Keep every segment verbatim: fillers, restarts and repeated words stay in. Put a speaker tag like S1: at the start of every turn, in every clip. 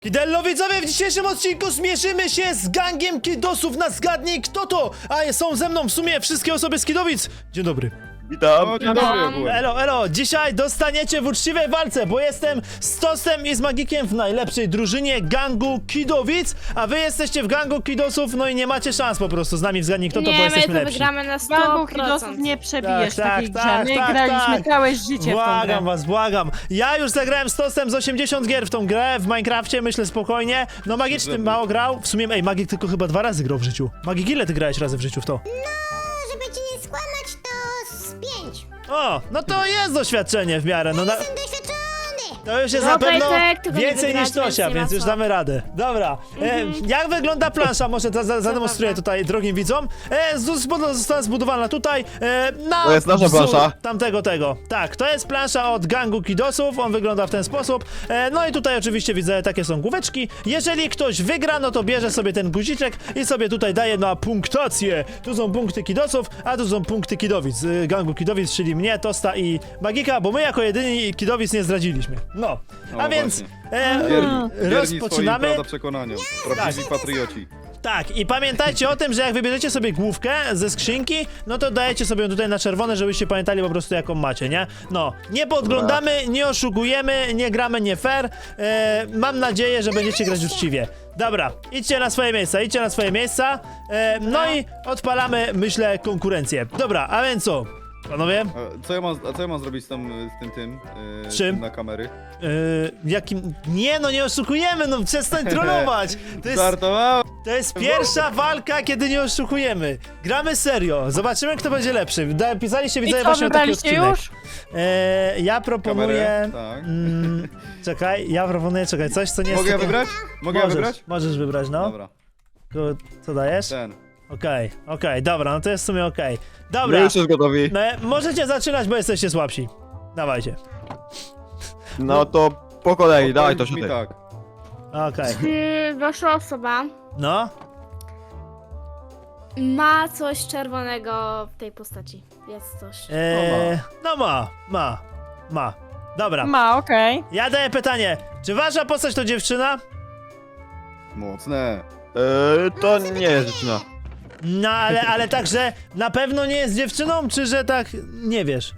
S1: Kidello widzowie, w dzisiejszym odcinku zmierzymy się z gangiem kidosów na Zgadnij Kto To! A są ze mną w sumie wszystkie osoby z Kidowic. Dzień dobry.
S2: Witam.
S3: O, dzień dobry ogółem.
S1: Elo, elo, dzisiaj dostaniecie w uczciwej walce, bo jestem z Tostem i z Magikiem w najlepszej drużynie gangu Kidowic, a wy jesteście w gangu Kidosów, no i nie macie szans po prostu z nami w Zgadnij Kto To, bo
S4: Nie, my
S1: jesteśmy
S4: to
S1: lepsi.
S4: wygramy na sto
S3: Gangu
S4: procent.
S3: Kidosów nie przebijesz
S1: Tak,
S3: takiej
S1: tak,
S3: grze.
S1: tak,
S3: My
S1: tak,
S3: graliśmy
S1: tak.
S3: całe życie w tą grę.
S1: Błagam was, błagam. Ja już zagrałem z Tostem z osiemdziesiąt gier w tą grę, w Minecrafcie, myślę spokojnie. No Magiczny mało grał, w sumie, ej, Magik tylko chyba dwa razy grał w życiu. Magik, ile ty grałeś razy w życiu w to?
S5: Żeby ci nie skłamać, to z pięć.
S1: O, no to jest doświadczenie w miarę, no na...
S5: Jestem doświadczony.
S1: To już jest
S4: No,
S1: na pewno
S4: Pejtek, tylko nie
S1: więcej
S4: wygrać,
S1: niż Tosia,
S4: więc nie ma
S1: więc już
S4: co.
S1: damy radę. Dobra, e, jak wygląda plansza? Może za, za, zademonstruję
S4: prawda.
S1: tutaj drogim widzom. E, z- zbud- została zbudowana tutaj e, na
S2: To jest nasza
S1: wzór
S2: plansza?
S1: tamtego tego. Tak, to jest plansza od gangu Kidosów, on wygląda w ten sposób. E, no i tutaj oczywiście widzę, takie są główeczki. Jeżeli ktoś wygra, no to bierze sobie ten guziczek i sobie tutaj daje na punktację. Tu są punkty Kidosów, a tu są punkty Kidowic. E, gangu Kidowic, czyli mnie, Tosta i Magika, bo my jako jedyni Kidowic nie zdradziliśmy. No, a
S3: O,
S1: więc
S3: właśnie.
S1: e,
S3: Wierni, wierni
S1: rozpoczynamy.
S3: swoim, prawda, przekonaniom. Prawdziwi patrioci.
S1: Tak, i pamiętajcie o tym, że jak wybierzecie sobie główkę ze skrzynki, no to dajecie sobie ją tutaj na czerwone, żebyście pamiętali po prostu jaką macie, nie? No, nie podglądamy, nie oszukujemy, nie gramy nie fair. E, mam nadzieję, że będziecie grać uczciwie. Dobra, idźcie na swoje miejsca, idźcie na swoje miejsca. E, no i odpalamy, myślę, konkurencję. Dobra, a więc co? Panowie?
S3: A co ja mam, a co ja mam zrobić z, tam, z tym tym? Yy,
S1: Czym?
S3: Na kamery?
S1: Yy, jakim... Nie, no nie oszukujemy, no przestań trollować! To jest,
S3: Żartowałem!
S1: to jest pierwsza walka, kiedy nie oszukujemy. Gramy serio, zobaczymy kto będzie lepszy. Da, pisaliście,
S3: No
S1: widzę
S3: tak
S1: właśnie
S3: I co,
S1: taki
S3: wybraliście
S1: odcinek.
S3: już?
S1: E, ja proponuję...
S3: Kamerę? Tak.
S1: Mm, czekaj, ja proponuję, czekaj, coś co nie jest
S3: Mogę ja
S1: takie-
S3: wybrać? Mogę ja
S1: Możesz,
S3: wybrać?
S1: możesz wybrać, no.
S3: Dobra,
S1: Ko- Co dajesz?
S3: ten.
S1: Okej, okej, dobra, no to jest w sumie okej. Dobra,
S2: My już jest gotowi.
S1: no, możecie zaczynać, bo jesteście słabsi. Dawajcie.
S2: No to po kolei, dawaj to
S3: Odpowiedz mi
S2: się
S3: tak.
S1: Okej,
S4: Czy wasza osoba
S1: no.
S4: ma coś czerwonego w tej postaci? Jest coś.
S1: E, no ma, ma, ma. Dobra,
S3: Ma, okej.
S1: ja daję pytanie. Czy wasza postać to dziewczyna?
S3: Mocne.
S2: Eee, to nie jest dziewczyna.
S1: No ale, ale także na pewno nie jest dziewczyną, czy że tak nie wiesz?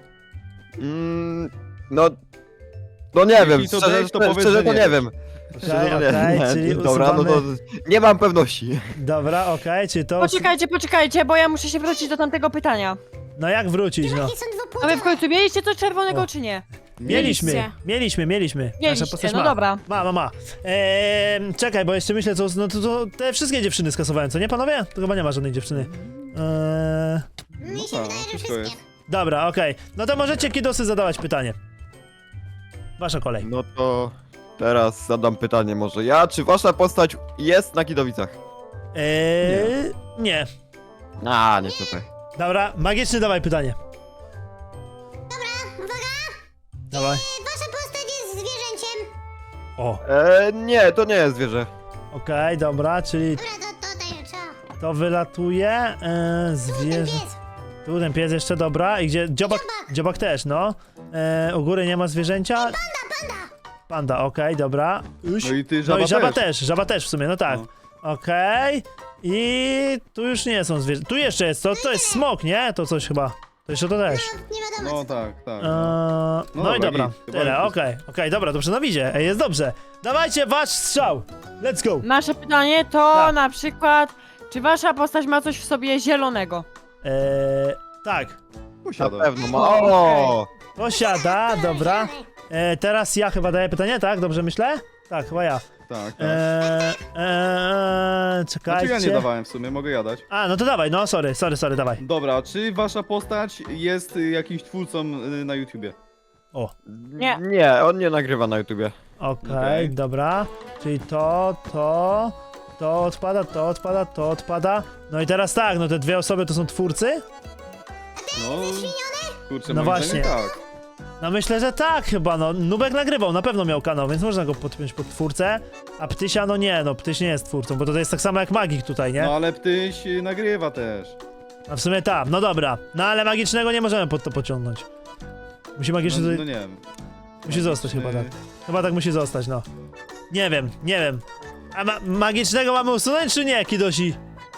S2: Mm, no... No nie wiem,
S3: to
S2: szczerze,
S3: wiesz, to
S2: szczerze,
S3: powiedz,
S2: szczerze
S3: że
S2: to
S3: nie
S2: nie
S3: wiesz.
S2: wiem. Szczerze to nie
S1: okej,
S2: wiem.
S1: czyli
S2: Dobra, no to
S1: usuwamy-
S2: nie mam pewności.
S1: Dobra, okej, czy to...
S6: Poczekajcie, poczekajcie, bo ja muszę się wrócić do tamtego pytania.
S1: No jak wrócić, no?
S5: Jakie są
S6: A wy
S5: dwupłciowe?
S6: w końcu mieliście coś czerwonego,
S1: O.
S6: czy nie?
S1: Mieliśmy,
S4: Mieliście.
S1: mieliśmy, mieliśmy. Nasza
S6: Mieliście,
S1: postać
S6: no
S1: ma.
S6: dobra.
S1: Ma, ma, ma. Eee, czekaj, bo jeszcze myślę, co, no to, to te wszystkie dziewczyny skasowałem, co nie panowie? To chyba nie ma żadnej dziewczyny. Eee,
S5: Mi się
S3: tak,
S5: wydaje, że
S3: wszystko
S5: wszystkie.
S1: dobra, okej. No to możecie kidosy zadawać pytanie. Wasza kolej.
S2: No to teraz zadam pytanie może ja, czy wasza postać jest na Kidowicach?
S1: Eee, nie.
S2: A, nie tutaj.
S1: Dobra, magiczny dawaj pytanie.
S5: Uwaga,
S1: Dawaj.
S5: wasza postać jest zwierzęciem.
S1: O,
S2: Eee, nie, to nie jest zwierzę.
S1: okej, dobra, czyli
S5: Dobra, to, to daję, co?
S1: to wylatuje. Eee,
S5: Ten
S1: zwierzę.
S5: pies.
S1: Tu ten pies jeszcze dobra. I gdzie? Dziobak, dziobak też, no. Eee, u góry nie ma zwierzęcia.
S5: Panda, panda.
S1: Panda, okej, dobra. Uś.
S3: No i ty,
S1: No
S3: żaba
S1: i żaba
S3: też.
S1: też, żaba też w sumie, no tak.
S3: No.
S1: Okej. I tu już nie są zwierzęta. Tu jeszcze jest, to, to jest smok, nie? To coś chyba. To jeszcze to też.
S5: Nie wiadomo.
S3: No tak, tak.
S1: Eee,
S3: No.
S1: no,
S3: No
S1: i
S3: dobra,
S1: dobra,
S3: git. Chyba
S1: tyle,
S3: już
S1: okej, okej, dobra, dobrze, no widzie, ej, jest dobrze. Dawajcie wasz strzał, let's go.
S6: Nasze pytanie to
S1: Tak.
S6: na przykład, czy wasza postać ma coś w sobie zielonego?
S1: Eee, tak,
S2: Na
S3: Posiada.
S2: pewno ma.
S6: O,
S2: O!
S1: posiada, dobra. Eee, teraz ja chyba daję pytanie, tak? Dobrze myślę? Tak, chyba ja.
S3: Tak, tak.
S1: Eee, eee,
S3: Znaczy
S1: czekajcie.
S3: ja nie dawałem w sumie, mogę jadać.
S1: A, no to dawaj, no sorry, sorry, sorry, dawaj.
S3: Dobra, czy wasza postać jest y, jakimś twórcą y, na YouTubie?
S1: O,
S6: Nie.
S2: Nie, on nie nagrywa na YouTubie.
S1: okej,
S3: Okej.
S1: dobra. Czyli to, to, to odpada, to odpada, to odpada. No i teraz tak, no te dwie osoby to są twórcy?
S3: No, kurczę,
S1: No
S3: moim
S1: właśnie.
S3: zdaniem tak.
S1: No myślę, że tak chyba, no. Nubek nagrywał, na pewno miał kanał, więc można go podpiąć pod twórcę. A Ptysia, no nie, no Ptyś nie jest twórcą, bo to jest tak samo jak Magik tutaj, nie?
S3: No ale Ptyś y, nagrywa też.
S1: A w sumie tak, no dobra. No ale Magicznego nie możemy pod to pociągnąć. Musi
S3: No,
S1: Magiczny
S3: no
S1: tutaj...
S3: nie wiem.
S1: Musi zostać chyba tak. Chyba tak musi zostać, no. Nie wiem, nie wiem. A ma magicznego mamy usunąć, czy nie, Kidosi?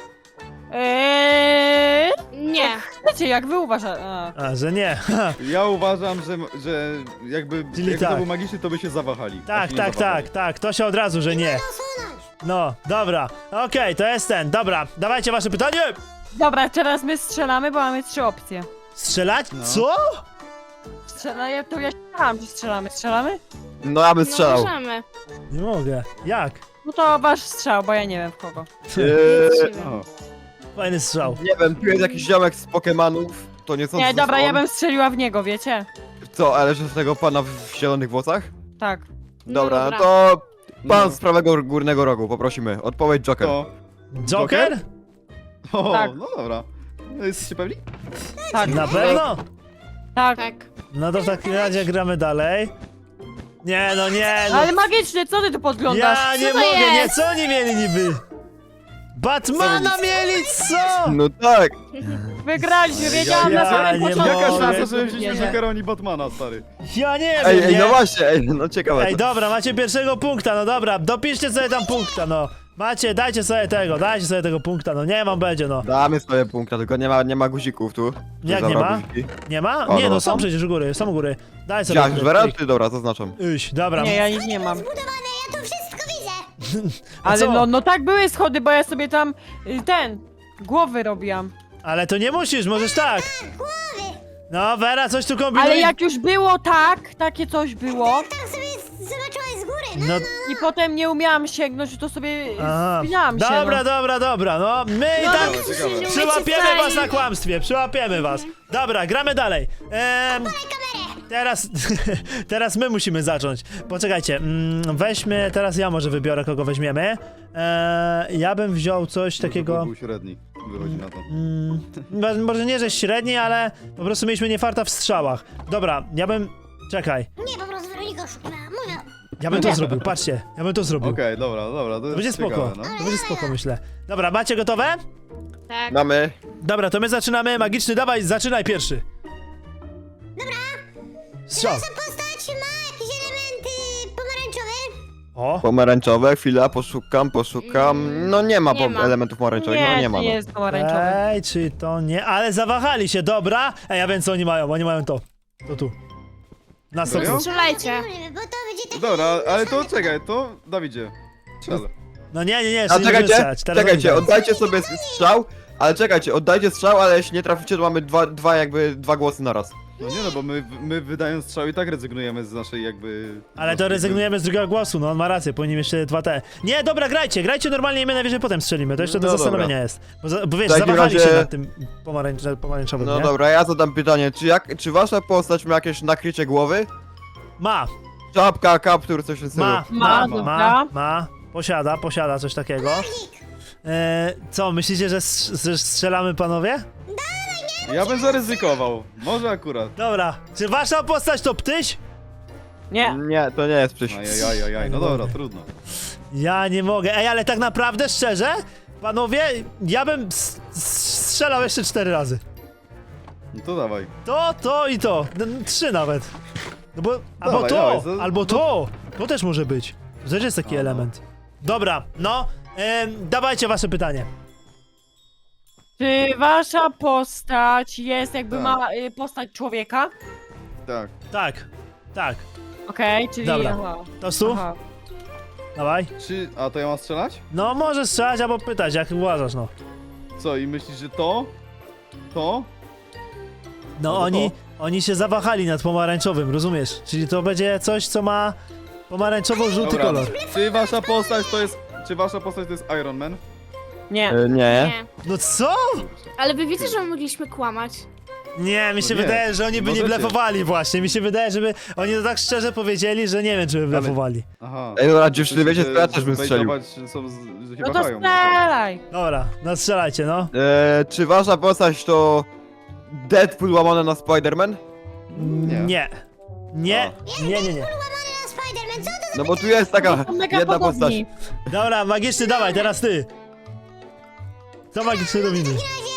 S6: Eee,
S4: Nie.
S6: wiecie, jak wy uważacie? A.
S1: A, że nie.
S3: Ja uważam, że, że jakby
S1: Czyli
S3: jak
S1: tak.
S3: to był magiczny, to by się zawahali. a
S1: Tak,
S3: się nie
S1: tak,
S3: zawahali.
S1: tak, tak, to się od razu, że nie.
S5: Usunąć.
S1: No, dobra, okej, to jest ten, dobra, dawajcie wasze pytanie!
S6: Dobra, teraz my strzelamy, bo mamy trzy opcje.
S1: Strzelać?
S3: No.
S1: Co?
S6: Strzela, ja to ja strzelam, czy strzelamy? Strzelamy?
S2: No ja bym
S4: No
S2: strzelał.
S4: możemy.
S1: Nie mogę, jak?
S6: No to wasz strzał, bo ja nie wiem w kogo.
S2: Eee,
S3: O.
S1: Fajny strzał.
S2: nie wiem, tu jest jakiś ziomek z Pokemonów, to nie sądzę,
S6: Nie,
S2: że
S6: dobra,
S2: on.
S6: ja bym strzeliła w niego, wiecie?
S2: Co, ale że z tego pana w, w zielonych włosach?
S6: Tak.
S2: Dobra,
S4: dobra.
S2: to pan
S3: No.
S2: z prawego górnego rogu, poprosimy. Odpowiedź Joker.
S3: To.
S1: Joker?
S3: O,
S6: Tak.
S3: no dobra. No, jesteście pewni?
S6: Tak.
S1: Na pewno?
S6: Tak.
S4: Tak.
S1: No to w takim razie gramy dalej. Nie, no nie, no.
S6: Ale magicznie, co ty tu podglądasz?
S1: Ja nie
S4: to
S1: mogę, nie,
S4: jest?
S1: co oni mieli niby? Batmana
S2: Co wy-
S1: mieli, co?
S2: No tak.
S6: Wygraliśmy, wiedziałam
S1: ja
S6: na samym
S1: nie
S6: początku.
S3: Jaka
S1: mogę.
S3: szansa, że wzięliśmy
S6: Nie.
S3: Jokera, oni Batmana, stary?
S1: Ja nie wiem,
S2: Ej, ej,
S1: nie?
S2: no właśnie, ej, no ciekawe.
S1: Ej,
S2: to.
S1: dobra, macie pierwszego punkta, no dobra, dopiszcie sobie tam punkta, no. Macie, dajcie sobie tego, dajcie sobie tego punkta, no nie mam będzie, no.
S2: Damy sobie punkta, tylko nie ma, nie ma guzików tu.
S1: Jak
S2: Zabrał
S1: nie ma?
S2: guziki.
S1: Nie ma?
S2: O,
S1: Nie, no
S2: no,
S1: są
S2: są?
S1: przecież u góry, są u góry. Daj sobie.
S2: Jak,
S1: klik,
S2: Żwera?
S1: klik.
S2: Ty, dobra, zaznaczam.
S1: Iść, dobra.
S6: Nie, ja nic nie mam.
S5: Zbudowane, ja to wszystko widzę.
S1: A
S6: Ale
S1: co?
S6: no, no tak były schody, bo ja sobie tam y, ten, głowy robiłam.
S1: Ale to nie musisz, możesz tak.
S5: Głowy.
S1: No, Vera, coś tu kombinuje.
S6: Ale jak już było tak, takie coś było
S5: Tak sobie zobaczyłaś z góry. No,
S1: No,
S6: i potem nie umiałam sięgnąć, to sobie
S1: aha.
S6: spinałam się.
S1: Dobra,
S6: no.
S1: dobra, dobra, no. My i
S4: No,
S1: tak
S3: Ciekawe, ciekawe.
S4: nie
S1: przyłapiemy
S4: umiecie
S1: was na
S4: wstać.
S1: kłamstwie, przyłapiemy was. Dobra, gramy dalej. Ehm, teraz, teraz my musimy zacząć. Poczekajcie, mm, weźmy, teraz ja może wybiorę, kogo weźmiemy. Eee, ja bym wziął coś takiego...
S3: Był średni, wychodzi na to.
S1: Mm, mo- może nie, że średni, ale po prostu mieliśmy niefarta w strzałach. Dobra, ja bym... Czekaj,
S5: Nie, po prostu Weronika oszukała. Mówię.
S1: ja bym to zrobił, patrzcie, ja bym to zrobił.
S3: Okej, dobra, dobra, to
S1: To
S3: jest
S1: będzie spoko,
S3: ciekawe, no.
S1: to będzie spoko, myślę. Dobra, macie gotowe?
S4: Tak.
S2: Mamy.
S1: Dobra, to my zaczynamy. Magiczny, dawaj, zaczynaj pierwszy. Dobra. Strzał.
S5: Nasza postać ma jakieś elementy pomarańczowe.
S1: O,
S2: Pomarańczowe, chwila, poszukam, poszukam. No nie ma,
S4: Nie
S2: po
S4: ma.
S2: elementów pomarańczowych,
S6: Nie,
S2: no nie
S6: to
S2: ma.
S6: nie
S2: No.
S6: jest pomarańczowy.
S1: ej, czy to nie... Ale zawahali się, dobra. Ej, ja wiem, co oni mają, oni mają to. To tu. Na sto
S3: Serio?
S1: procent.
S4: Strzelajcie.
S5: Bo to będzie taki...
S3: Dobra, ale to czekaj, to Dawidzie. Strzel.
S1: No nie, nie, nie,
S2: A
S1: jeszcze nie
S2: czekajcie,
S1: wystrzać. Teraz
S2: czekajcie,
S1: oni dają.
S2: oddajcie sobie strzał, ale czekajcie, oddajcie strzał, ale jeśli nie traficie, to mamy dwa, dwa jakby, dwa głosy na raz.
S3: No nie no, bo my, my wydając strzał i tak rezygnujemy z naszej jakby...
S1: Ale to rezygnujemy z drugiego głosu, no on ma rację, powinien jeszcze dwa te. Nie, dobra, grajcie, grajcie normalnie i my najwyżej potem strzelimy, to jeszcze do
S2: No
S1: zastanowienia
S2: dobra.
S1: jest. Bo, za, bo wiesz,
S2: W takim
S1: zawahali
S2: razie-
S1: się nad tym pomarańcz, pomarańczowym,
S2: No
S1: nie?
S2: dobra, ja zadam pytanie, czy jak, czy wasza postać ma jakieś nakrycie głowy?
S1: Ma,
S2: Czapka, kaptur, coś w tym stylu.
S1: ma, ma,
S6: Ma,
S1: ma,
S6: dobra.
S1: ma, posiada, posiada coś takiego. E, co, myślicie, że, strz- że strzelamy, panowie?
S3: Ja bym zaryzykował, może akurat.
S1: Dobra, czy wasza postać to ptyś?
S6: Nie.
S2: Nie, to nie jest przyś.
S3: Ajajajaj, no dobra, trudno.
S1: Ja nie mogę, ej, ale tak naprawdę, szczerze, panowie, ja bym s- s- strzelał jeszcze cztery razy.
S3: No to dawaj.
S1: To, to i to, N- trzy nawet. No bo, albo
S3: Dawaj,
S1: to,
S3: dawaj, to-
S1: albo to, to też może być. To też jest taki
S3: A, no.
S1: element. Dobra, no, em, dawajcie wasze pytanie.
S6: Czy wasza postać jest jakby
S3: Tak.
S6: ma y, postać człowieka?
S3: Tak.
S1: Tak, tak,
S6: Okej, czyli...
S1: Dobra.
S6: Aha.
S1: to stu,
S6: Aha.
S1: dawaj.
S3: Czy... A to ja mam strzelać?
S1: No, możesz strzelać albo pytać, jak uważasz, no.
S3: Co, i myślisz, że to? To?
S1: No,
S3: to
S1: oni,
S3: to.
S1: oni się zawahali nad pomarańczowym, rozumiesz? Czyli to będzie coś, co ma pomarańczowo-żółty
S3: Dobra.
S1: kolor.
S3: Czy wasza postać to jest... Czy wasza postać to jest Iron Man?
S6: Nie.
S2: E, nie.
S4: Nie.
S1: No co?
S4: Ale wy wiecie, że my mogliśmy kłamać.
S1: Nie, mi się
S3: No nie,
S1: wydaje, że oni by nie
S3: możecie.
S1: blefowali właśnie. Mi się wydaje, żeby oni to tak szczerze powiedzieli, że nie wiem, czy by
S3: Ale-
S1: blefowali.
S3: Aha.
S2: Ej, dobra, dziewczyny,
S3: Myślę,
S2: wiecie,
S3: że
S2: to ja też bym strzelił.
S3: zbejtować, że są, z- że się
S6: No to
S3: wahają.
S6: strzelaj!
S1: Dobra, no strzelajcie, no.
S2: E, czy wasza postać to Deadpool łamane na Spider-Man?
S3: Nie.
S1: Nie. Nie, nie, nie, nie.
S5: Łamane na Spider-Man, co to za...
S2: No bo tu jest taka
S6: Są mega
S2: jedna postać.
S6: podobni.
S1: Dobra, magiczny, dawaj, teraz ty. Co magiczny robimy?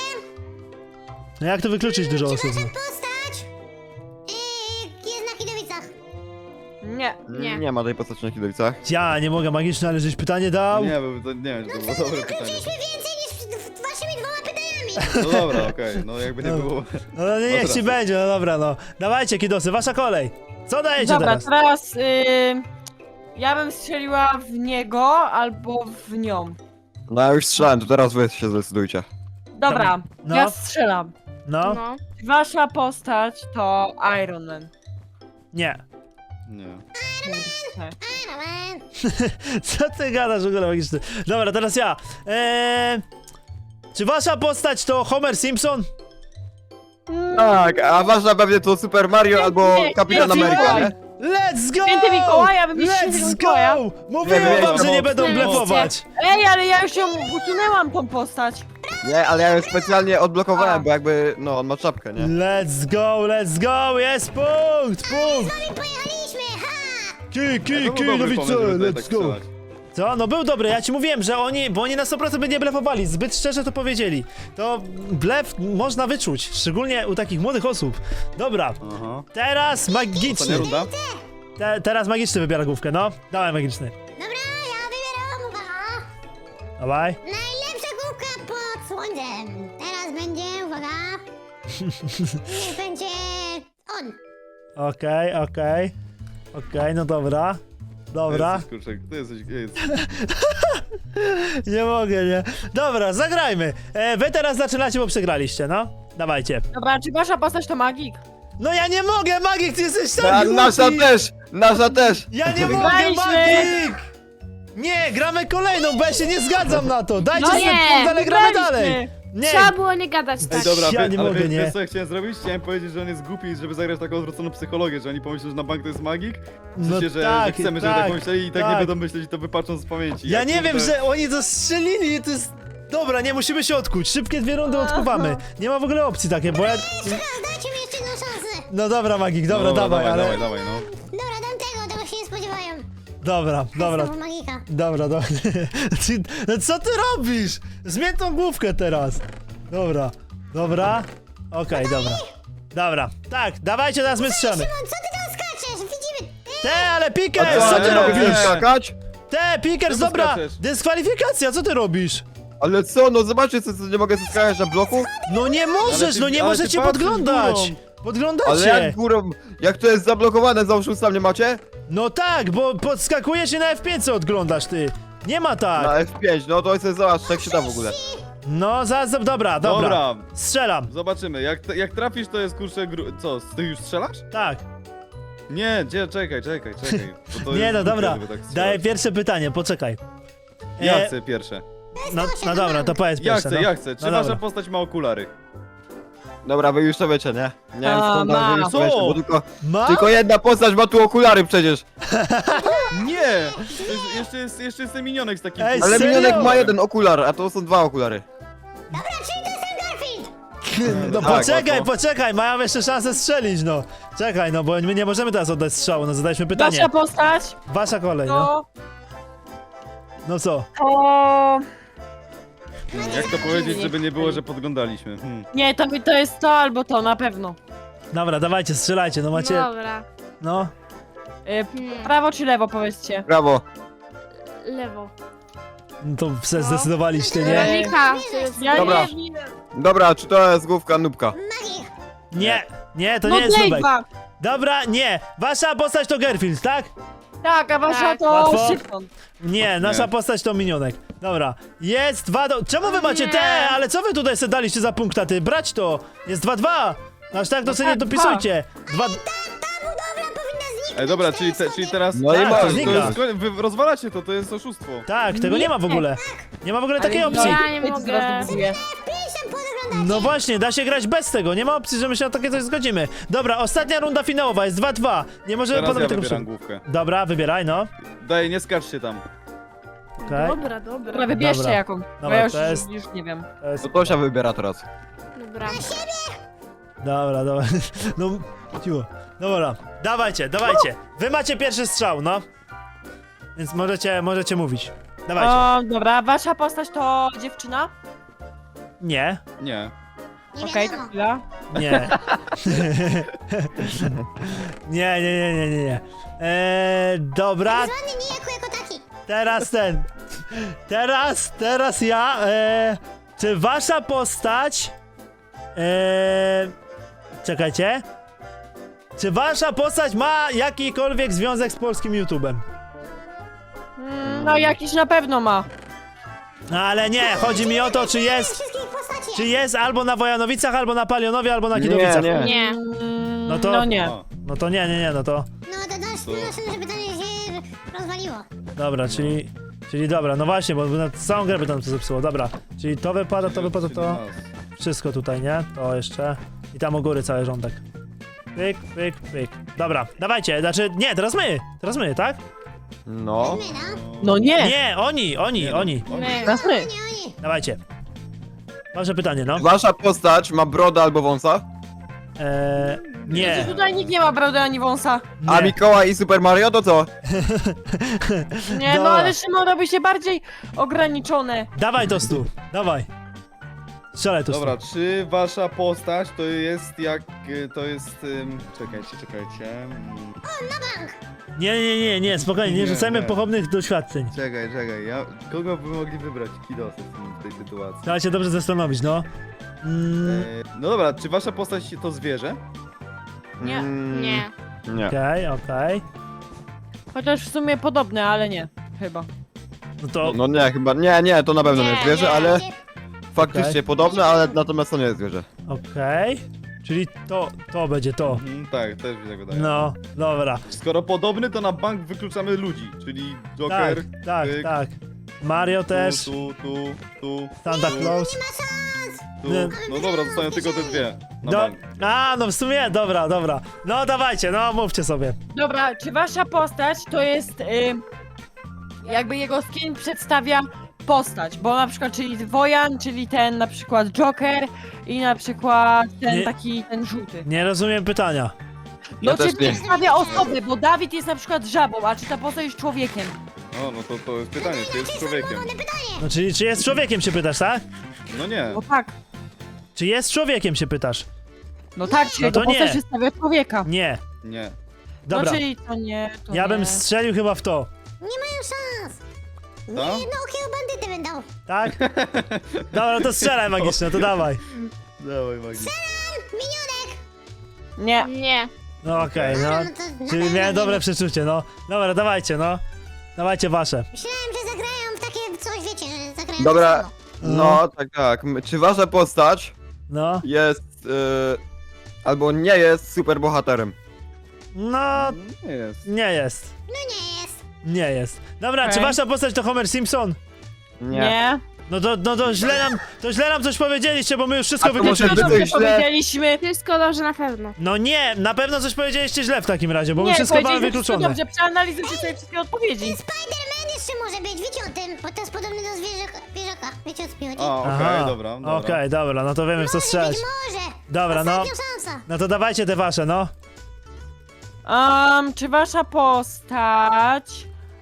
S1: No jak to wykluczyć dużo osób?
S5: Nasza postać yy, jest na Kidowicach.
S6: Nie.
S4: Nie.
S2: Nie ma tej postaci na kidowicach.
S1: Ja nie mogę, magiczne, ale żeś pytanie dał.
S3: Nie, bo to, nie wiem, czy to było dobre pytanie.
S5: Zakończyliśmy więcej niż w- waszymi dwoma pytaniami.
S3: No dobra, okej, no jakby nie było.
S1: No, no nie, niech
S3: teraz.
S1: ci będzie, no dobra, no. Dawajcie, kidosy, wasza kolej. Co dajecie
S6: Dobra,
S1: teraz?
S6: teraz y, ja bym strzeliła w niego albo w nią.
S2: No ja już strzelałem, to teraz wy się zdecydujcie.
S6: Dobra,
S1: No.
S6: ja strzelam.
S1: No,
S4: No.
S6: Wasza postać to Iron Man.
S1: nie.
S3: Nie.
S6: Kurczę.
S5: Iron Man.
S1: Co ty gadasz w ogóle magiczny? Dobra, teraz ja. Eee, czy wasza postać to Homer Simpson?
S2: Tak, a wasza pewnie to Super Mario albo
S6: nie,
S2: Kapitan
S6: nie,
S2: Ameryka,
S6: nie.
S2: nie?
S1: Let's go!
S6: Święty Mikołaj, ja bym mieć świętego
S1: Let's
S6: Mikołaja.
S1: go! Mówiłem
S2: Nie,
S1: wam,
S2: nie,
S1: że nie
S2: nie,
S1: będą
S4: nie,
S1: blefować.
S6: Ej, ale ja już ją usunęłam tą postać.
S2: Nie, ale ja ją specjalnie odblokowałem,
S6: A.
S2: bo jakby, no on ma czapkę, nie?
S1: Let's go, let's go! Jest punkt, punkt!
S5: I pojechaliśmy, ha!
S1: Ki, ki,
S3: To
S1: ki,
S3: był dobry
S1: nowice,
S3: pomysł, żeby tutaj
S1: let's
S3: tak
S1: go!
S3: strzelać.
S1: Co? No był dobry, ja ci mówiłem, że oni, bo oni na sto procent by nie blefowali, zbyt szczerze to powiedzieli. To blef można wyczuć, szczególnie u takich młodych osób. Dobra,
S3: Aha.
S1: teraz
S3: Ostatnia
S1: magiczny.
S3: runda?
S1: Te, teraz magiczny wybiera główkę, no. Dawaj magiczny.
S5: Dobra, ja wybieram, uwaga.
S1: Dawaj.
S5: Najlepsza główka pod słońcem. Teraz będzie, uwaga. Niech będzie on.
S1: Okej, okej. Okej, no dobra. Dobra.
S3: Jesteś, kurczę, ty jesteś, jest.
S1: Nie mogę, nie. Dobra, zagrajmy. E, wy teraz zaczynacie, bo przegraliście, no. Dawajcie.
S6: Dobra, czy wasza postać to magik?
S1: No ja nie mogę, Magik, ty jesteś
S2: Na,
S1: tak
S2: nasza
S1: głupi.
S2: też! Nasza też!
S1: Ja nie mogę,
S6: Wygraliśmy.
S1: Magik! Nie, gramy kolejną, bo ja się nie zgadzam na to. Dajcie
S6: No
S1: sobie
S4: nie,
S1: punkt, ale gramy
S6: wygraliśmy.
S1: dalej. Nie,
S4: Trzeba było nie gadać tak.
S3: Ej, dobra,
S1: Ja
S3: wy,
S1: nie
S3: ale
S1: mogę,
S3: wie-
S1: nie.
S3: wiesz co ja chciałem zrobić? Chciałem powiedzieć, że on jest głupi, żeby zagrać taką odwróconą psychologię, że oni pomyślą, że na bank to jest magik. W
S1: No
S3: sensie, że,
S1: tak,
S3: że chcemy, żeby
S1: tak,
S3: tak pomyśleli i tak,
S1: tak.
S3: nie będą myśleć i to wypatrzą z pamięci.
S1: ja
S3: Jak
S1: nie
S3: kurde-
S1: wiem, że oni to strzelili i to jest... Dobra, nie, musimy się odkuć. Szybkie dwie rundy odkuwamy. Nie ma w ogóle opcji takiej, bo ja...
S5: Teraz dajcie mi jeszcze jedną szansę.
S1: No dobra, Magik,
S3: No
S1: dobra, dawaj, ale...
S3: dawaj, dawaj, no.
S5: Dobra, dam tego, tego się nie spodziewają.
S1: Dobra, dobra,
S5: Znowu magika.
S1: dobra, dobra. Ty- No co ty robisz? Zmień tą główkę teraz. Dobra, dobra. Okej, dobra. Dobra, tak, dawajcie, teraz my strzelamy.
S5: Szymon, co ty tam skaczesz? Widzimy.
S1: Te, ale
S2: A
S1: Pickers, co ty
S2: nie mogę
S1: robisz?
S2: skakać?
S1: Te, Pickers,
S3: Czemu
S1: dobra,
S3: skaczesz?
S1: dyskwalifikacja, co ty robisz?
S2: Ale co, no zobaczcie, co, co nie mogę skakać na bloku?
S1: No nie możesz,
S3: ty-
S1: no nie
S3: ale ty
S1: możecie
S3: patrzysz
S1: podglądać.
S3: górą.
S2: Ale
S1: Podglądacie.
S2: jak górą, jak to jest zablokowane, załóżmy sam nie macie?
S1: No tak, bo podskakujesz i na F pięć co odglądasz, ty. Nie ma
S2: Na
S1: tak.
S2: F pięć, no to sobie zobacz, jak się da w ogóle.
S1: No, za, za, dobra, dobra.
S3: Dobra,
S1: Strzelam,
S3: zobaczymy. Jak, jak trafisz, to jest kurczę gru... Co, ty już strzelasz?
S1: tak.
S3: Nie, gdzie, czekaj, czekaj, czekaj. bo to
S1: Nie
S3: jest
S1: no,
S3: głupie,
S1: dobra.
S3: żeby tak strzelać.
S1: Daję pierwsze pytanie, poczekaj.
S3: Ja
S1: E,
S3: chcę pierwsze.
S1: No, no dobra, to powiedz
S3: Ja
S1: pierwsze.
S3: chcę,
S1: no.
S3: ja chcę. Czy
S1: No
S3: wasza
S1: dobra.
S3: postać ma okulary?
S2: Dobra, wy już to wiecie, nie? Nie wiem
S6: A,
S2: skąd
S6: ma.
S2: wy już to
S3: Co?
S2: wiecie, bo tylko,
S1: Ma?
S2: tylko jedna postać ma tu okulary przecież.
S3: Nie! To jest, jeszcze, jest, jeszcze jest ten minionek z takim...
S1: Ej,
S2: Ale
S1: serio?
S2: minionek ma jeden okular, a to są dwa okulary.
S5: Dobra, czyli to jest ten Garfield.
S1: No
S2: Tak,
S1: poczekaj,
S2: łatwo.
S1: poczekaj, mają jeszcze szansę strzelić, no. Czekaj, no bo my nie możemy teraz oddać strzału, no zadaliśmy pytanie.
S6: Wasza postać
S1: Wasza kolej, no.
S6: to...
S1: No co?
S6: to...
S3: Jak to powiedzieć, żeby nie było, że podglądaliśmy? Hmm.
S6: Nie, to, to jest to albo to, na pewno.
S1: Dobra, dawajcie, strzelajcie, no macie...
S4: Dobra.
S1: No.
S6: Y,
S4: Hmm.
S6: prawo czy lewo, powiedzcie.
S2: Brawo.
S4: Lewo.
S1: No to se zdecydowaliście, nie?
S4: Weronika, to jest...
S6: Ja
S2: Dobra.
S6: nie wiem.
S2: Dobra, czy to jest główka nubka?
S5: Magik.
S1: Nie, nie, to
S6: No
S1: nie jest
S6: Blade
S1: nubek.
S6: dwa.
S1: Dobra, nie. Wasza postać to Garfield, tak?
S6: Tak, a wasza
S4: Tak.
S6: to
S1: Łatwo?
S6: Szybson.
S1: Nie, nasza
S3: Nie.
S1: postać to minionek. Dobra, jest dwa do... Czemu wy
S4: O
S1: macie
S4: nie.
S1: te? Ale co wy tutaj sobie daliście za punkta, ty? Brać to! Jest dwa dwa! Aż tak to
S6: No
S1: sobie nie
S6: tak,
S1: dopisujcie. Dwa...
S5: Ta budowla powinna zniknąć.
S3: Ej, dobra,
S5: to
S3: czyli,
S5: jest
S3: te, czyli
S5: sobie.
S3: teraz...
S2: No i
S1: Tak,
S2: masz,
S1: to
S3: to
S1: znika.
S3: jest, wy rozwalacie to, to jest oszustwo.
S1: Tak, tego nie ma w ogóle. Nie ma w ogóle takiej
S6: Ale
S1: opcji.
S4: Ja nie
S6: Ej,
S4: mogę.
S6: zaraz dobuduję.
S5: Piszę, podglądać.
S1: No właśnie, da się grać bez tego, nie ma opcji, że my się na takie coś zgodzimy. Dobra, ostatnia runda finałowa, jest dwa dwa. Nie możemy
S3: Teraz
S1: panowie
S3: ja
S1: tego
S3: wybieram
S1: przy...
S3: główkę.
S1: Dobra, wybieraj, no.
S3: Daj, nie skaczcie tam.
S1: Okej.
S4: Dobra, dobra.
S6: Dobra, wybierzcie
S1: Dobra.
S6: jaką. Bo
S1: Dobra,
S6: ja już,
S1: to jest-
S6: już nie wiem.
S1: To jest...
S2: To Tosia wybiera teraz.
S4: Dobra.
S1: Dobra, dobra. No, cicho. Dobra, dawajcie, dawajcie. Wy macie pierwszy strzał, no. Więc możecie, możecie mówić. Dawajcie.
S6: O, dobra, wasza postać to dziewczyna?
S1: Nie.
S3: Nie.
S5: Nie
S6: Okej, to
S5: wiadomo.
S6: chwila.
S1: Nie. nie, nie, nie, nie, nie, nie. Eee, dobra,
S5: Zwany niejako jako taki.
S1: teraz ten. Teraz, teraz ja. Eee, czy wasza postać. Eee, czekajcie. Czy wasza postać ma jakikolwiek związek z polskim YouTube'em?
S6: Mm, no jakiś na pewno ma.
S1: No ale nie, chodzi mi o to, czy jest.
S5: Wszystkich postaci.
S1: Czy jest albo na Wojanowicach, albo na Palionowie, albo na Kidowicach.
S2: Nie,
S4: Nie.
S6: Mm,
S1: No to-
S6: No nie.
S3: A,
S1: No to nie, nie, nie, no to.
S5: No to nasz,
S3: To-
S5: nasze pytanie się rozwaliło.
S1: Dobra, czyli. Czyli dobra, no właśnie, bo na całą grę by tam to zepsuło. Dobra, czyli to wypada, to wypada, to.
S3: siedemnaście.
S1: Wszystko tutaj, nie? To jeszcze. I tam u góry cały rządek. Pyk, pyk, pyk. Dobra, dawajcie, znaczy. Nie, teraz my! Teraz my, tak?
S2: No.
S5: My, no.
S6: No nie.
S1: Nie, oni, oni,
S3: Nie, no.
S1: oni.
S4: My.
S6: Teraz my.
S5: Nie oni.
S1: Dawajcie. Wasze pytanie, no.
S2: Wasza postać ma brodę albo wąsa?
S1: Eee,
S6: Wiecie,
S1: nie.
S6: tutaj nikt nie ma brody ani wąsa.
S2: A
S1: Nie.
S2: Mikołaj i Super Mario to co?
S6: Nie, no
S1: Dobra.
S6: ale Szymon robi się bardziej ograniczone.
S1: Dawaj to stu, dawaj. Strzelaj to stu.
S3: Dobra, czy wasza postać to jest jak... y, to jest... ym, Czekajcie, czekajcie. Mm,
S1: Nie, nie, nie, nie, spokojnie, nie
S3: Nie,
S1: rzucajmy
S3: nie.
S1: pochopnych doświadczeń.
S3: Czekaj, czekaj, ja... Kogo by mogli wybrać Kidosy w, tym- w tej sytuacji?
S1: Trzeba się dobrze zastanowić, no. Mm,
S3: E, no dobra, czy wasza postać to zwierzę?
S6: Nie.
S2: Mm,
S4: Nie.
S2: Nie.
S1: Okej, okej.
S6: Chociaż w sumie podobne, ale nie. Chyba.
S1: No to.
S2: No nie, chyba, nie, nie, to na pewno nie
S4: Nie,
S2: jest zwierzę,
S4: nie.
S2: ale faktycznie
S1: Okej.
S2: podobne, ale natomiast to nie jest zwierzę.
S1: Okej. Czyli to, to będzie to.
S3: Mhm, tak, też mi tak wydaje.
S1: No, dobra.
S3: Skoro podobny, to na bank wykluczamy ludzi, czyli
S1: Tak,
S3: Joker,
S1: tak,
S3: pyk,
S1: tak. Mario też,
S3: tu, tu, tu, tu,
S1: Santa Claus.
S3: tu.
S1: Nie.
S3: No dobra, zostają tylko te dwie na
S1: Do,
S3: bank.
S1: a, no w sumie, dobra, dobra. No dawajcie, no mówcie sobie.
S6: Dobra, czy wasza postać to jest... Y, jakby jego skin przedstawia postać, bo na przykład czyli Wojan, czyli ten na przykład Joker i na przykład ten
S1: Nie.
S6: taki, ten żółty.
S1: Nie rozumiem pytania.
S6: No
S2: Ja
S6: czy
S2: też nie.
S6: przedstawia osobę, bo Dawid jest na przykład żabą, a czy ta postać jest człowiekiem?
S3: O, no to, to jest pytanie, czy jest człowiekiem?
S1: No czyli czy jest człowiekiem się pytasz, tak?
S3: No nie.
S6: No tak.
S1: Czy jest człowiekiem się pytasz?
S6: No tak, czyli
S1: No to
S6: to postać
S1: nie.
S6: przedstawia człowieka.
S1: Nie.
S3: Nie.
S1: Dobra.
S6: No czyli to nie, to
S1: Ja
S6: nie.
S1: bym strzelił chyba w to.
S5: Nie mają szans. Nie,
S3: Co?
S5: no okiego bandyty będą.
S1: Tak? Dobra, to strzelaj magiczne, to dawaj.
S3: Dawaj, Magni.
S5: Minionek.
S6: Nie.
S4: Nie.
S1: No okej, no.
S5: No to na
S1: Czyli
S5: pewno
S1: miałem
S5: nie.
S1: dobre przeczucie, no. Dobra, dawajcie, no. Dawajcie wasze.
S5: Myślałem, że zagrają w takie coś, wiecie, że zagrają
S2: Dobra.
S5: w samo.
S2: No, tak, tak. M- Czy wasza postać
S1: No.
S2: jest, y, albo nie jest super bohaterem?
S1: No,
S3: Nie jest.
S1: nie jest.
S5: No nie jest.
S1: Nie jest. Dobra,
S6: Okej.
S1: czy wasza postać to Homer Simpson?
S6: Nie.
S1: No to, no to źle nam, to źle nam coś powiedzieliście, bo my już wszystko
S2: A to może
S1: wykluczyliśmy.
S2: być-
S6: Dobrze
S2: źle.
S6: powiedzieliśmy.
S4: Wszystko dobrze na pewno.
S1: No nie, na pewno coś powiedzieliście źle w takim razie, bo my
S6: Nie,
S1: wszystko mamy
S6: powiedzieliśmy wszystko
S1: wykluczone.
S6: dobrze, przeanalizujcie sobie wszystkie odpowiedzi.
S5: Spider-Man jeszcze może być, wiecie o tym, bo to jest podobny do zwierzaka. zwierzaka. Wiecie o co mi chodzi?
S3: A, okej,
S1: Aha,
S3: dobra, dobra.
S1: Okej, dobra, no to wiemy w co
S5: Może
S1: strzelać.
S5: być, może.
S1: Dobra, no.
S5: Ostatnia szansa.
S1: No to dawajcie te wasze, no.
S6: Um, czy wasza postać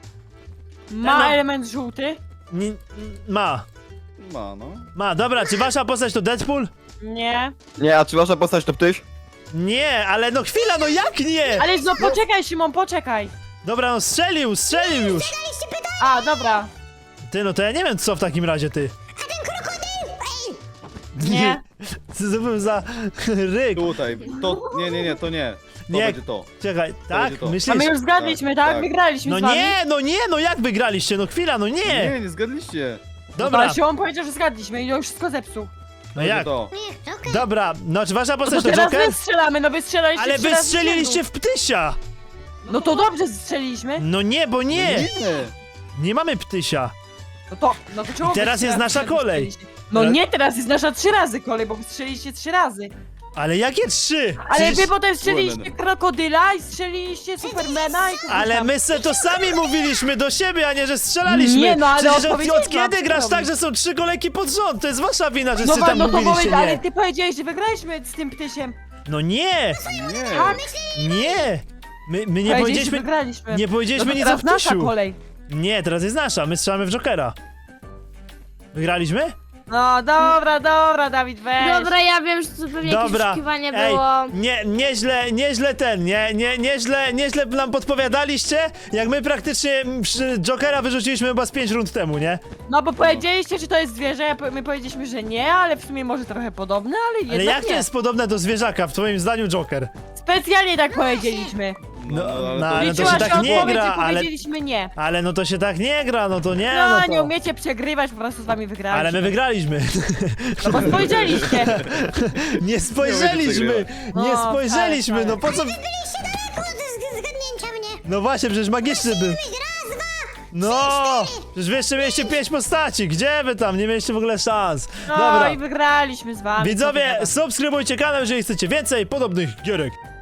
S6: ma
S1: No.
S6: element żółty?
S1: Ni- ma.
S3: Ma, no.
S1: Ma, dobra, czy wasza postać to Deadpool?
S6: Nie.
S2: Nie, a czy wasza postać to ptyś?
S1: Nie, ale no chwila, no jak nie?
S6: Ale no poczekaj, Szymon, poczekaj.
S1: Dobra, no strzelił, strzelił już.
S6: A, dobra.
S1: Ty, no to ja nie wiem co w takim razie, ty.
S5: A ten krokodyl! Ej!
S6: Nie.
S1: Co to był za ryk?
S3: Tutaj, to, nie, nie, nie, to nie. To
S1: Nie.
S3: będzie to.
S1: Czekaj, tak?
S3: będzie to.
S6: A
S1: Myślisz?
S6: my już zgadliśmy,
S3: Tak,
S6: tak?
S3: tak.
S6: Wygraliśmy
S1: No
S6: z wami.
S1: nie, no nie, no jak wygraliście? No chwila, no nie.
S3: Nie, nie zgadliście.
S1: Dobra,
S6: Ale Szymon powiedział, że zgadliśmy i już wszystko zepsuł.
S1: no
S3: Będzie
S1: jak?
S3: to.
S5: Nie, Joker.
S1: Dobra, no czy wasza
S6: No
S1: postać
S6: to
S1: to
S6: teraz
S1: Joker?
S6: my strzelamy, no wy strzelaliście
S1: Ale
S6: trzy
S1: wy
S6: razy z
S1: strzeliliście
S6: rzędu.
S1: w ptysia.
S6: No to dobrze strzeliliśmy.
S1: No nie, bo nie.
S3: Nie.
S1: Nie mamy ptysia.
S6: No to, no to czemu
S1: I teraz
S6: wy
S1: jest
S6: trzy
S1: nasza
S6: razy
S1: kolej.
S6: strzeliście? No
S1: Teraz-
S6: nie, teraz jest nasza trzy razy kolej, bo wy strzeliście trzy razy.
S1: Ale jakie trzy?
S6: Ale
S1: Przecież-
S6: wy potem strzeliście
S3: Women.
S6: krokodyla i strzeliście Supermana i kogoś
S1: Ale
S6: tam.
S1: my se to sami mówiliśmy do siebie, a nie, że strzelaliśmy.
S6: Nie, no, ale
S1: Przecież od,
S6: odpowiedziałem
S1: od kiedy
S6: wam,
S1: grasz
S6: co
S1: tak,
S6: robić.
S1: że są trzy kolejki pod rząd? To jest wasza wina, że
S6: No,
S1: ty
S6: wa-
S1: tam
S6: no to
S1: mówiliście
S6: powiedz, ale
S1: nie.
S6: ty powiedziałeś, że wygraliśmy z tym ptysiem.
S1: No nie,
S3: Nie.
S1: nie. My, my nie
S6: Powiedzieliście, że
S1: powiedzieliśmy,
S6: wygraliśmy.
S1: nie
S6: no
S1: powiedzieliśmy
S6: to
S1: nic o
S6: teraz nasza
S1: ptysiu.
S6: kolej.
S1: Nie, teraz jest nasza, my strzelamy w Jokera. Wygraliśmy?
S6: No dobra, dobra, Dawid, weź.
S4: Dobra, ja wiem, że to pewnie jakieś
S1: Dobra,
S4: poszukiwanie
S1: ej,
S4: było.
S1: nie, nieźle, nieźle ten, nie, nie, nieźle, nieźle nam podpowiadaliście, jak my praktycznie przy Jokera wyrzuciliśmy chyba z pięć rund temu, nie?
S6: No bo powiedzieliście, że to jest zwierzę, ja po- my powiedzieliśmy, że nie, ale w sumie może trochę podobne, ale jednak
S1: Ale jak to
S6: nie.
S1: jest podobne do zwierzaka, w twoim zdaniu, Joker?
S6: Specjalnie tak powiedzieliśmy.
S1: No,
S3: ale
S1: no,
S3: to-
S1: ale to
S6: Liczyła
S1: się
S6: się
S1: tak nie
S6: odpowiedź
S1: gra,
S6: i
S1: ale,
S6: powiedzieliśmy nie.
S1: ale no to się tak nie gra, no to nie,
S6: No,
S1: no
S6: nie
S1: to...
S6: umiecie przegrywać, po prostu z wami wygraliśmy.
S1: Ale my wygraliśmy.
S6: No bo spojrzeliście.
S1: Nie spojrzeliśmy,
S6: No,
S1: nie spojrzeliśmy,
S6: tak,
S1: no po co...
S5: Byliście daleko od z- zgadnięcia mnie.
S1: No właśnie, przecież magiczny był.
S5: Raz, dwa,
S1: No, przecież wy jeszcze mieliście pięć postaci, gdzie wy tam, nie mieliście w ogóle szans.
S6: No
S1: Dobra,
S6: i wygraliśmy z wami.
S1: widzowie,
S6: Co wy na to?
S1: subskrybujcie kanał, jeżeli chcecie więcej podobnych gierek.